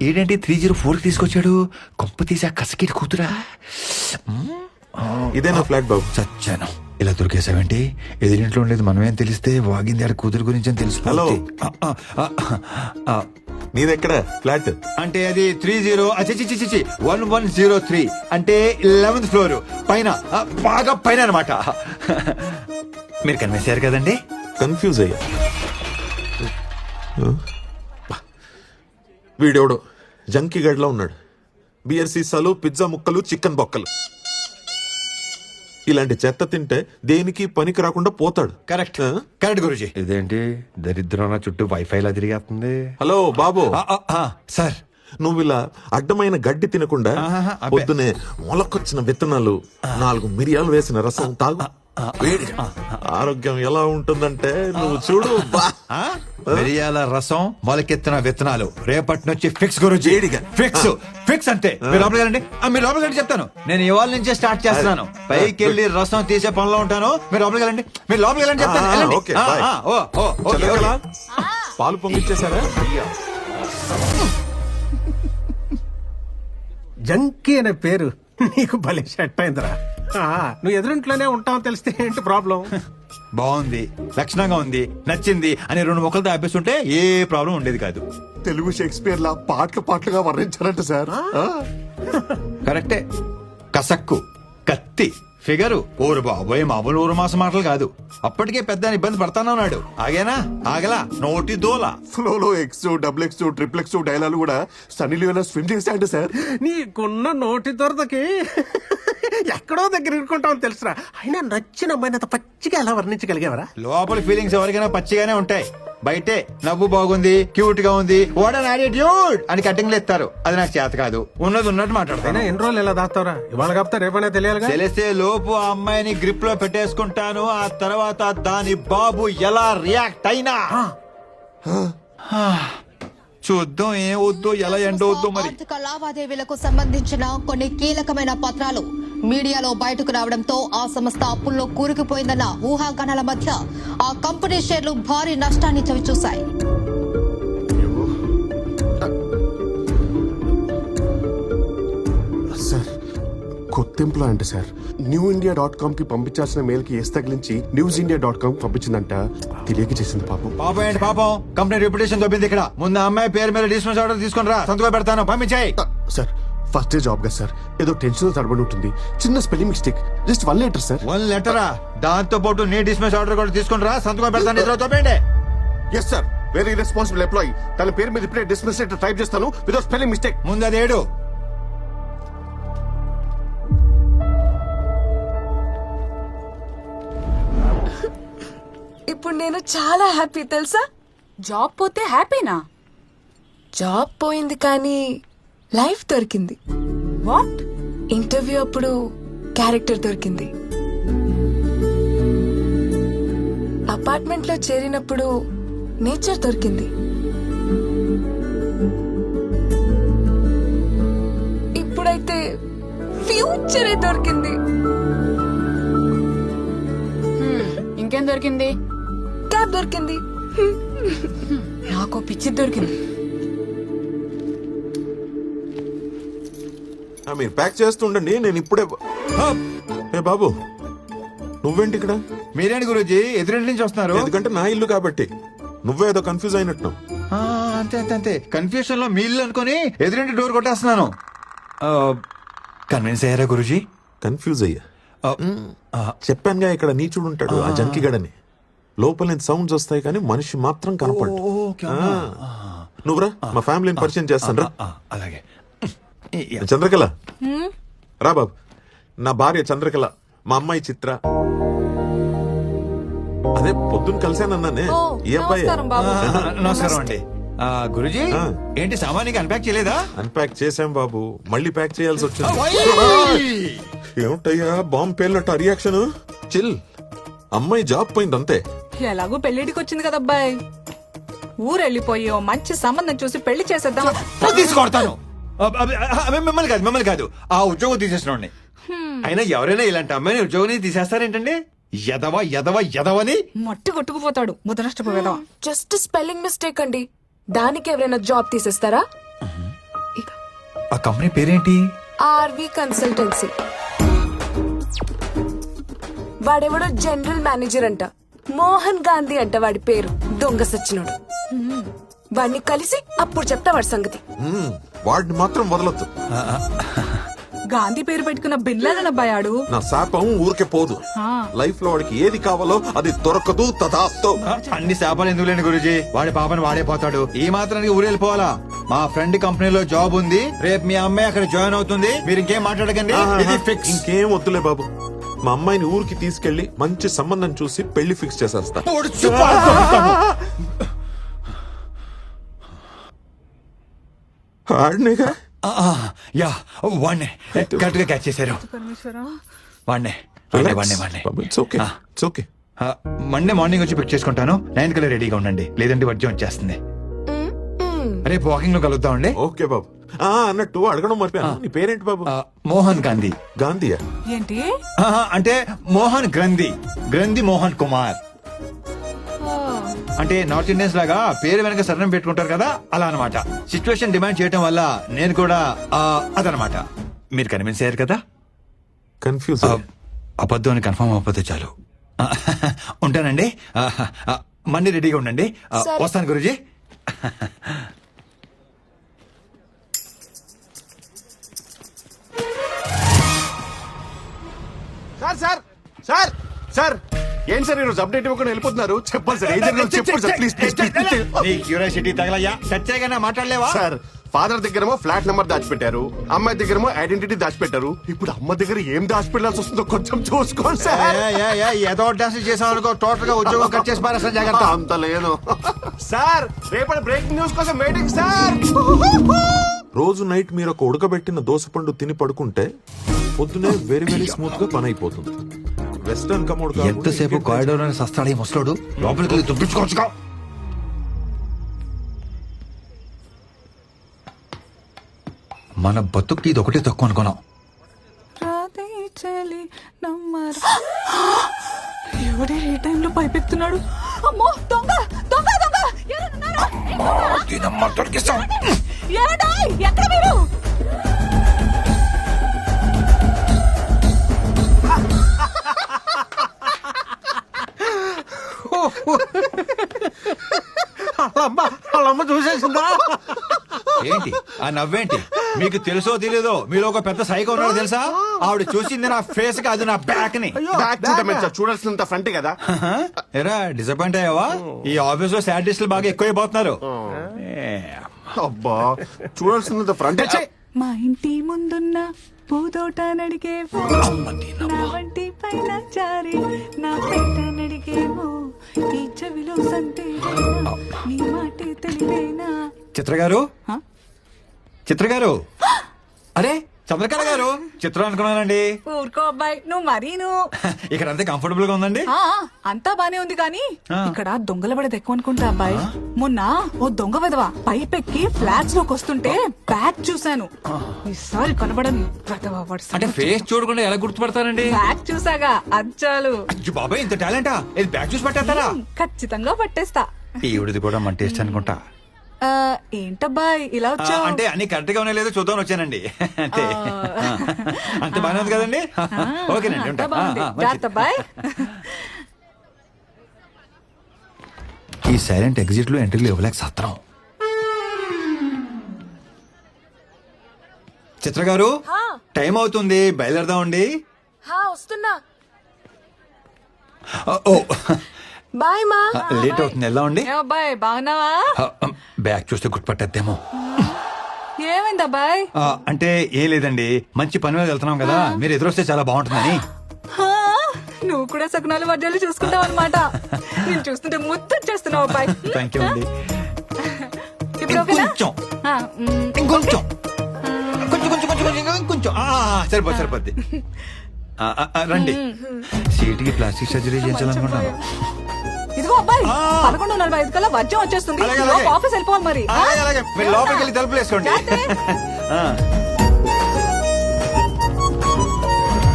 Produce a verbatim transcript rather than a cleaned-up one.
ఏంటంటే three zero four కి తీసుకొచ్చాడు. కొంప తీసి ఆ కసకేటి కూతురా. ఇదేనా ఫ్లాట్ బాబు? చచ్చాను. ఇలా దొరికేసావేంటి? ఎదురింట్లో ఉండేది మనమేం తెలిస్తే వాగింది ఆడ కూతురు గురించి అని తెలుసు. హలో, నీదెక్కడ ఫ్లాట్? అంటే అది త్రీ జీరో చిచి వన్ వన్ జీరో త్రీ అంటే లెవెన్త్ ఫ్లోర్ పైన, ఆ, బాగా పైన అనమాట. మీరు కనిపించారు కదండి. కన్ఫ్యూజ్ అయ్యా. వీడెవడో జంకీ గడ్లా ఉన్నాడు. బియర్ సీసాలు, పిజ్జా ముక్కలు, చికెన్ బొక్కలు. ఇలాంటి చెత్త తింటే దేనికి పనికి రాకుండా పోతాడు. Correct correct Guruji. ఇదేంటి దరిద్రం చుట్టూ వైఫై లా తిరిగేస్తుంది. హలో బాబు. సార్, నువ్వు ఇలా అడ్డమైన గడ్డి తినకుండా పొద్దునే మొలకొచ్చిన విత్తనాలు, నాలుగు మిరియాలు వేసిన రసం తాగు. వేడిగా ఆరోగ్యం ఎలా ఉంటుందంటే నువ్వు చూడు. మిరియాల రసం, మొలకెత్తిన విత్తనాలు రేపటి నుంచి ఫిక్స్ గురుజీ. ఫిక్స్ ఫిక్స్ అంతే. మీరు లోపలికి వెళ్ళండి. మీరు లోపలికి వెళ్ళి చెప్తాను. నేను ఇవాళ నుంచే స్టార్ట్ చేస్తున్నాను. పైకి వెళ్ళి రసం తీసే పనిలో ఉంటాను. మీరు లోపలికి వెళ్ళండి. మీరు లోపలికి వెళ్ళండి చెప్తాను. పాలు పొంగిచ్చేసారా? జంకీ అనే పేరు నీకు భలే సెట్ అయిందిరా. నువ్వు ఎదురింట్లోనే ఉంటావు తెలిస్తే ఏంటి ప్రాబ్లం? బాగుంది, లక్షణంగా ఉంది, నచ్చింది అని రెండు మొక్కలతో ఆపేస్తుంటే ఏ ప్రాబ్లం ఉండేది కాదు. తెలుగు షేక్స్పియర్ లా పాటలు పాటలుగా వర్ణించారంట సార్. కరెక్టే. కసక్కు, కత్తి, ఫిగరు, ఊరు బాబోయే మామూలు ఊరు మాస మాటలు కాదు. అప్పటికే పెద్ద ఇబ్బంది పడతానన్నాడు. ఆగేనా? ఆగలా. నోటి దోల. ఫ్లోలో X, double X, triple X dialogue కూడా సన్నీ లియోనా స్విమ్ చేశాయంట సార్. నీకున్న నోటి దొరదకి ఎక్కడో దగ్గర ఇరుకుంటావు తెలుసురా. అయినా నచ్చిన అమ్మాయిని అంత పచ్చిగా ఎలా వర్ణించగలిగేవరా? లోపల ఫీలింగ్స్ ఎవరికైనా పచ్చిగానే ఉంటాయి. బయటే నవ్వు బాగుంది, క్యూట్ గా ఉంది, వాట్ అన్ యాటిట్యూడ్ అని కటింగ్లు ఎత్తారు. అది నాకు చేత కాదు. ఉన్నది ఉన్నట్టు మాట్లాడతాను. ఎన్ని రోజులు ఎలా దాస్తావరా? ఇవాళ కాపుతా రేపనే తెలియాలి. తెలిస్తే లోపు ఆ అమ్మాయిని గ్రిప్ లో పెట్టేసుకుంటాను. ఆ తర్వాత దాని బాబు ఎలా రియాక్ట్ అయినా చూద్దాం. ఏం వద్దో, ఎలా ఎండవద్దో మరి. ఆర్థిక లావాదేవీలకు సంబంధించిన కొన్ని కీలకమైన పత్రాలు మీడియాలో బయటకు రావడంతో ఆ సంస్థ అప్పుల్లో కూరుకుపోయిందన్న ఊహాగానాల మధ్య ఆ కంపెనీ షేర్లు భారీ నష్టాన్ని చవిచూశాయి. సార్, కొత్త employee sir. New India dot com కి పంపించాల్సిన మెయిల్ కి ఎస్ తగిలించి న్యూస్ ఇండియా డాట్ కామ్ పంపించిందంట. తెలియక చేసింది పాపం. పాపం ఏంటి పాపం? కంపెనీ రెప్యుటేషన్ దొబ్బింది ఇక్కడ. ముందు అమ్మాయి పేరు మీద డిస్మిస్ ఆర్డర్ తీసుకుని రా, సంతకం పెడతాను. పంపించాయి. సార్, ఫస్ట్ డే జాబ్ కదా సార్, ఏదో టెన్షన్ తడబడి ఉంటుంది. చిన్న spelling mistake, just one letter sir. One లెటరా? దాంతో పాటు నీ డిస్మిస్ ఆర్డర్ కూడా తీసుకుని రా, సంతకం పెడతాను. ఇద్దరు తోపేండి. Yes sir, very responsible employee. తన పేరు మీద ఇప్పుడే డిస్మిస్ లెటర్ టైప్ చేస్తాను వితౌట్ స్పెల్లింగ్ మిస్టేక్. ముందు అది ఏడు. ఇప్పుడు నేను చాలా హ్యాపీ తెలుసా. జాబ్ పోతే హ్యాపీనా? జాబ్ పోయింది కానీ లైఫ్ దొరికింది. వాట్? ఇంటర్వ్యూ అప్పుడు క్యారెక్టర్ దొరికింది. అపార్ట్మెంట్ లో చేరినప్పుడు నేచర్ దొరికింది. ఇప్పుడైతే ఫ్యూచరే దొరికింది. ఇంకేం దొరికింది? క్యాబ్ దొరికింది. నాకు పిచ్చి దొరికింది. మీరు ప్యాక్ చేస్తుండండి, నేను ఇప్పుడే. ఏ బాబు, నువ్వేంటి ఇక్కడ? మీరేంటి గురూజీ ఎదురింటి నుంచి వస్తున్నారు? ఎందుకంటే నా ఇల్లు కాబట్టి. నువ్వే ఏదో కన్ఫ్యూజ్ అయినట్టు. అంతే అంతే అంతే. కన్ఫ్యూషన్ లో మీ ఇల్లు అనుకుని ఎదురింటి డోర్ కొట్టేస్తున్నాను. కన్విన్స్ అయ్యారా గురూజీ? కన్ఫ్యూజ్ అయ్యా. చెప్పానుగా ఇక్కడ నీచుడు ఉంటాడు, ఆ జంకిగడని. లోపల నుంచి సౌండ్స్ వస్తాయి కానీ మనిషి మాత్రం కనపడు. నువ్వురా, మా ఫ్యామిలీని పరిచయం చేస్తాను రా. అలాగే. చంద్రకళ రా బాబు. నా భార్య చంద్రకళ, మా అమ్మాయి చిత్ర. అదే పొద్దున్న కలిసానన్నానే, ఈ అబ్బాయి. నమస్కారం అండి. గురుజీ ఏంటి సామాన్యంగా అన్పాక్ చేయలేదా? అన్పాక్ చేశాం బాబు, మళ్ళీ ప్యాక్ చేయాల్సి వచ్చింది. ఏమిటయ్యా బాంబు పేలినట్టు రియాక్షన్? చిల్. అమ్మాయి జాబ్ పోయింది అంతే. ఎలాగో పెళ్లిడికి వచ్చింది కదా అబ్బాయి. ఊరెళ్ళిపోయి ఓ మంచి సంబంధం చూసి పెళ్లి చేసేద్దాం. తీసుకొడతాను. మిమ్మల్ని కాదు మిమ్మల్ని కాదు ఆ ఉద్యోగం తీసేసిన. అయినా ఎవరైనా ఇలాంటి అమ్మాయిని ఉద్యోగం తీసేస్తారేంటండి? ఎదవ ఎదవ ఎదవని మట్టి కొట్టుకుపోతాడు ముదనష్టపోయేదవా. జస్ట్ స్పెల్లింగ్ మిస్టేక్ అండి, దానికి ఎవరైనా జాబ్ తీసేస్తారా? ఆ కంపెనీ పేరేంటి? RV consultancy. వాడెవడో జనరల్ మేనేజర్ అంట, మోహన్ గాంధీ అంట వాడి పేరు. దొంగ సచ్చినోడు. వాడిని కలిసి అప్పుడు చెప్తా వాడి సంగతి. మ్మ్. వాడిని మాత్రం వదలొద్దు. గాంధీ పేరు పెట్టుకున్న బిన్లాదన్ అబ్బాయి ఆడు. నా శాపం ఊరికే పోదు. లైఫ్ లో వాడికి ఏది కావాలో అది దొరకదు. తదాస్తు. ఆ, అన్ని శాపాలు ఎందుకు లేని గురుజీ, వాడి పాపని వాడే పోతాడు. ఈ మాత్రానికి ఊరెళ్ళిపోవాలా? మా ఫ్రెండ్ కంపెనీలో జాబ్ ఉంది, రేపు మీ అమ్మాయి అక్కడ జాయిన్ అవుతుంది. మీరు ఇంకేం మాట్లాడకండి, ఇది ఫిక్స్. ఇంకేం వద్దులే బాబు. మా అమ్మాయిని ఊరికి తీసుకెళ్లి మంచి సంబంధం చూసి పెళ్లి ఫిక్స్ చేసేస్తా. ఆడినేగా. యా వాణ్ణే కరెక్ట్ గా క్యాచ్ చేశారు. వాణ్ణే వాణ్ణే వాణ్ణే వాణ్ణే it's okay, it's okay. Monday morning వచ్చి పిక్ చేసుకుంటాను. నైన్ కల్లా రెడీగా ఉండండి, లేదంటే వర్జం వచ్చేస్తుంది. రేపు వాకింగ్ లో కలుద్దామండి. ఓకే బాబు. ఆ అన్నట్టు అడగడం మర్చిపోయాను, నీ పేరేంటి బాబు? ఆ, మోహన్ గాంధీ. గాంధీయా? ఏంటి? ఆహా, అంటే మోహన్ గ్రంథి, గ్రంథి మోహన్ కుమార్. అంటే నార్త్ ఇండియన్స్ లాగా పేరు వెనక సరణం పెట్టుకుంటారు కదా, అలా అన్నమాట. సిచ్యువేషన్ డిమాండ్ చేయటం వల్ల నేను కూడా ఆ, అదనమాట. మీరు కన్విన్స్ అయ్యారు కదా? కన్ఫ్యూజ్. ఆ, అబద్ధం అని కన్ఫర్మ్ అవ్వకపోతే చాలు. ఆ, ఉంటానండి. ఆ, ఆ, మళ్ళీ రెడీగా ఉండండి. ఆ, సరే. వస్తాను Guruji. Sir sir sir sir ఏంటి సార్ ఈరోజు అప్డేట్ ఇవ్వకుండా వెళ్ళిపోతున్నారు? చెప్పండి సార్, ఏం జరిగిందో చెప్పండి సార్, ప్లీజ్ ప్లీజ్ ప్లీజ్. నీ క్యూరియాసిటీ తగలయ్యా, సత్యాగా మాట్లాడలేవా? సార్ ఫాదర్ దగ్గరేమో ఫ్లాట్ నెంబర్ దాచిపెట్టారు, అమ్మాయి దగ్గరేమో ఐడెంటిటీ దాచిపెట్టారు. ఇప్పుడు అమ్మ దగ్గర ఏం దాచిపెట్టాల్సి వస్తుందో కొంచెం చూసుకోండి సార్. ఏదో డాన్స్ చేసాం అనుకో, టోటల్ గా ఉద్యోగం కట్ చేసి పారేస్తా, జాగ్రత్త. అంత లేదు సార్. రేపటి బ్రేకింగ్ న్యూస్ కోసం వెయిటింగ్ సార్. రోజు నైట్ మీరు ఒక ఉడకబెట్టిన దోసపండు తిని పడుకుంటే పొద్దునే వెరీ వెరీ స్మూత్ గా పని అయిపోతుంది. వెస్టర్న్ కమోడ్ ఎంతసేపు కారిడోర్ అని సస్తాడు ఈ ముసలోడు, లోపలికి వెళ్ళి దుబ్బించుకోవచ్చుగా. మన బతుక్కి ఇది ఒకటే తక్కువ అనుకున్నాం. రాధే చలి నమ్మరా. ఎవడే ఏ టైంలో పైపెత్తున్నాడు? అమ్మో దొంగ దొంగ దొంగ ఎవరున్నారు? ఏమండోయ్, ఎక్కడ మీరు? వాళ్ళమ్మ వాళ్ళమ్మ చూసేసిందా? ఏంటి ఆ నవ్వేంటి? మీకు తెలుసో తెలీదో మీలో ఒక పెద్ద సైకో ఉన్నాడు తెలుసా? ఆవిడ చూసింది నా ఫేస్ కి, అది నా బ్యాక్ ని. బ్యాక్ చూడమే సార్, చూడాల్సినంత ఫ్రంట్ కదా. ఎరా డిసప్పాయింట్ అయ్యావా? ఈ ఆఫీస్ లో సాడిస్టులు బాగా ఎక్కువైపోతున్నారు. అబ్బా, చూడాల్సినంత ఫ్రంట్. మా ఇంటి ముందున్న పూదోట నడిగేవో, నా వంటి పైన జారి నా పేట నడిగేవో, ఈ చెవిలో సంతేనా నీ మాటే తెలివేనా. చిత్ర గారు, హ? చిత్ర గారు, అరే చంద్రకళ గారు, చిత్రం అనుకున్నానండి. ఊరుకో అబ్బాయి, నువ్వు మరీను. ఇక్కడ అంతే కంఫర్టబుల్ గా ఉందండి. ఆ, అంతా బానే ఉంది కానీ ఆ. ఇక్కడ దొంగల పడేది ఎక్కువ అనుకుంటా అబ్బాయి. మొన్న ఓ దొంగ విధవ పైపెక్కి ఫ్లాట్స్ లోకి వస్తుంటే బ్యాగ్ చూశాను. ఈసారి కనబడని విధవ వాడి అంటే సంగతి. ఫేస్ చూడకుండా ఎలా గుర్తుపడతానండి? బ్యాగ్ చూసాగా అచ్చాలు. అయ్యో బాబాయ్, ఇంత టాలెంటా? ఇది బ్యాగ్ చూసి పట్టేస్తారా? ఖచ్చితంగా పట్టేస్తా. ఈవిడిది కూడా మన టేస్ట్ అనుకుంటా. ఆ, ఏంటబ్బాయి ఇలా ఆ, వచ్చావు? అంటే అన్ని కరెక్ట్ గా ఉన్నాయో లేదో చూద్దాం వచ్చానండి. అంతే. ఆ, అంత బాగానే ఉంది కదండి? ఓకేనండి, ఉంటా. ఆ, ఆ, మంచిది. అబ్బాయి. ఈ సైలెంట్ ఎగ్జిట్ లో ఎంట్రీలు ఇవ్వలేక సత్రం. చిత్ర గారు, హా. టైం అవుతుంది, బయలుదేరదామండి. హా వస్తున్నా. ఆ, ఓ బాయ్ మా. ఆ, లేట్ అవుతుంది, వెళ్దామండి. ఏ అబ్బాయి బాగున్నావా? ఆ, బ్యాగ్ చూస్తే గుర్తుపట్టేద్దేమో. ఏమైంది అబ్బాయి? ఆ, అంటే ఏం లేదండి, మంచి పని మీద వెళ్తున్నాం కదా, మీరు ఎదురొస్తే చాలా బాగుంటుందని. హా, నువ్వు కూడా సకునాలు వడ్డాలు చూసుకుంటావు అనమాట. నేను చూస్తుంటే ముద్దొచ్చేస్తున్నావు అబ్బాయి. థ్యాంక్ యూ అండి. ఇప్పుడు ఓకేనా? ఇంకొంచెం ఆ, మ్, ఇంకొంచెం కొంచెం కొంచెం కొంచెం కొంచెం ఇంకొంచెం ఆ, సరిపోద్ది సరిపోద్ది. ఆ, ఆ, ఆ, రండి. సీటుకి ప్లాస్టిక్ సర్జరీ చేయించాలనుకుంటున్నాను. ఇదిగో అబ్బాయి, ఆ. పదకొండు నలభై ఐదు కల్లా వర్జం వచ్చేస్తుంది. అలాగే, ఈలోపు అలాగే. ఆఫీస్ వెళ్ళిపోవాలి మరి. అలాగే అలాగే, మీరు లోపలికి వెళ్ళి తలుపులు వేసుకోండి. జాగ్రత్త. ఆ.